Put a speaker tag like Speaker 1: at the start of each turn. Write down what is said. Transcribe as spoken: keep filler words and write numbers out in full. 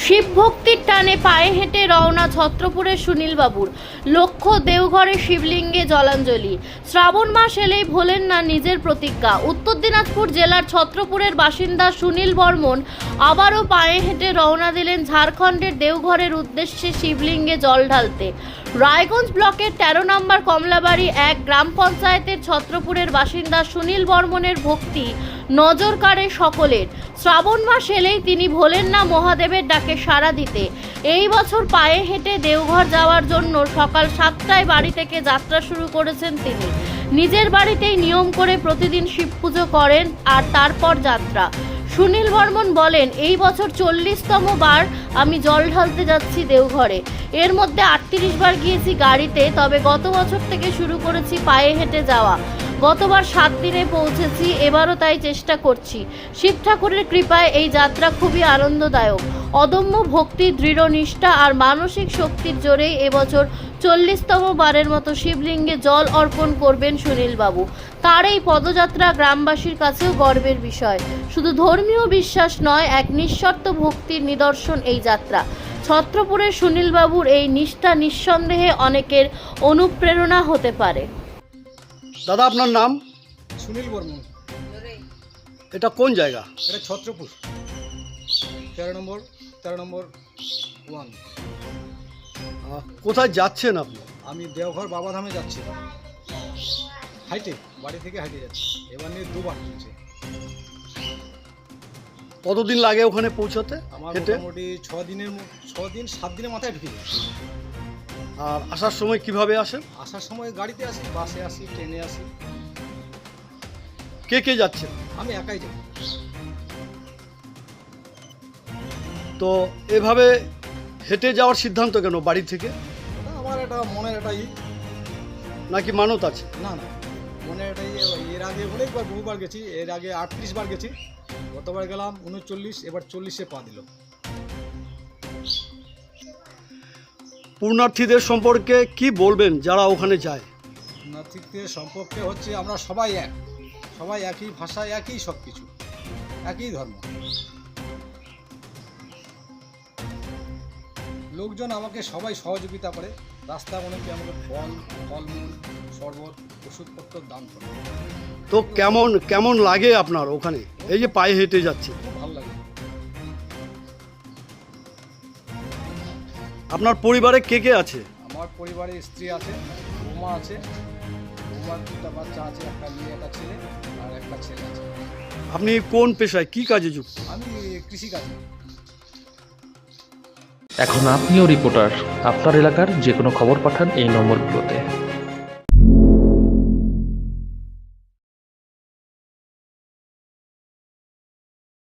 Speaker 1: শিব ভক্তির টানে পায়ে হেঁটে রওনা ছত্রপুরের সুনীলবাবুর। লক্ষ্য দেওঘরে শিবলিঙ্গে জলাঞ্জলি। শ্রাবণ মাস এলেই ভোলেন না নিজের প্রতিজ্ঞা। উত্তর দিনাজপুর জেলার ছত্রপুরের বাসিন্দা সুনীল বর্মন আবারও পায়ে হেঁটে রওনা দিলেন ঝাড়খণ্ডের দেওঘরের উদ্দেশ্যে শিবলিঙ্গে জল ঢালতে। রায়গঞ্জ ব্লকের তেরো নম্বর কমলাবাড়ি এক গ্রাম পঞ্চায়েতের ছত্রপুরের বাসিন্দা সুনীল বর্মনের ভক্তি নজর কাড়ে সকলের। শ্রাবণ মাস এলেই তিনি ভোলেন না মহাদেবের ডাকে সাড়া দিতে। এই বছর পায়ে হেঁটে দেওঘর যাওয়ার জন্য সকাল সাতটায় বাড়ি থেকে যাত্রা শুরু করেছেন তিনি। নিজের বাড়িতেই নিয়ম করে প্রতিদিন শিব পুজো করেন আর তারপর যাত্রা। সুনীল বর্মন বলেন, এই বছর চল্লিশতম বার আমি জল ঢালতে যাচ্ছি দেওঘরে। এর মধ্যে আটত্রিশ বার গিয়েছি গাড়িতে, তবে গত বছর থেকে শুরু করেছি পায়ে হেঁটে যাওয়া। গতবার সাত দিনে পৌঁছেছি, এবারও তাই চেষ্টা করছি। শিব ঠাকুরের কৃপায় এই যাত্রা খুবই আনন্দদায়ক। অদম্য ভক্তি, দৃঢ় নিষ্ঠা আর মানসিক শক্তির জোরেই এবছর চল্লিশতম বারের মতো শিবলিঙ্গে জল অর্পণ করবেন সুনীলবাবু। তার এই পদযাত্রা গ্রামবাসীর কাছেও গর্বের বিষয়। শুধু ধর্মীয় বিশ্বাস নয়, এক নিঃশর্ত ভক্তির নিদর্শন এই যাত্রা। ছত্রপুরের সুনীলবাবুর এই নিষ্ঠা নিঃসন্দেহে অনেকের অনুপ্রেরণা হতে পারে।
Speaker 2: দাদা, আপনার নাম?
Speaker 3: সুনীল বর্মন।
Speaker 2: এটা কোন জায়গা?
Speaker 3: এটা ছত্রপুর তেরো নম্বর তেরো নম্বর ওয়ান।
Speaker 2: আহ, কোথায় যাচ্ছেন আপনি?
Speaker 3: আমি দেওঘর বাবাধামে যাচ্ছি, হাইটে, বাড়ি থেকে হাইটে যাচ্ছি। এবার নিয়ে দুবার চলছে।
Speaker 2: কতদিন লাগে ওখানে পৌঁছতে?
Speaker 3: আমার
Speaker 2: হেঁটে?
Speaker 3: মোটামুটি ছ দিনের ম- ছ দিন সাত দিনের মাথায় ঢুকে যাচ্ছি।
Speaker 2: আর আসার সময় কিভাবে আসেন?
Speaker 3: আসার সময় গাড়িতে আসি, বাসে আসি, ট্রেনে আসি।
Speaker 2: কে কে যাচ্ছেন?
Speaker 3: আমি একাই যাই।
Speaker 2: তো এভাবে হেঁটে যাওয়ার সিদ্ধান্ত কেন বাড়ি থেকে?
Speaker 3: ওটা আমার একটা মনের একটা ই,
Speaker 2: নাকি মানত আছে?
Speaker 3: না না মনের একটা ই। এর আগে অনেকবার বহুবার গেছি, এর আগে আটত্রিশ বার গেছি। গতবার গেলাম উনচল্লিশ, এবার চল্লিশে পা দিল।
Speaker 2: পূর্ণার্থীদের সম্পর্কে কি বলবেন যারা ওখানে যায়?
Speaker 3: নাথিকদের সম্পর্কে হচ্ছে আমরা সবাই এক, সবাই একই ভাষা, একই সব কিছু, একই ধর্ম। লোকজন আমাকে সবাই সহযোগিতা করে। রাস্তা অনেকে আমাকে ফল, ফলমূল, শরবত, ওষুধপত্র দান করে।
Speaker 2: তো কেমন কেমন লাগে আপনার ওখানে এই যে পায়ে হেঁটে যাচ্ছে?
Speaker 3: খুব ভালো লাগে।
Speaker 2: আপনার পরিবারে কে কে আছে?
Speaker 3: আমার পরিবারে স্ত্রী আছে, বৌমা আছে, বৌমার দুটা বাচ্চা আছে, একটা মেয়ে, একটা ছেলে আর একটা ছেলে আছে।
Speaker 2: আপনি কোন পেশায়, কি কাজে যুক্ত?
Speaker 3: আমি কৃষিকাজ।
Speaker 4: এখন আপনিও রিপোর্টার। আপনার এলাকার যে কোনো খবর পাঠান এই নম্বরগুলোতে।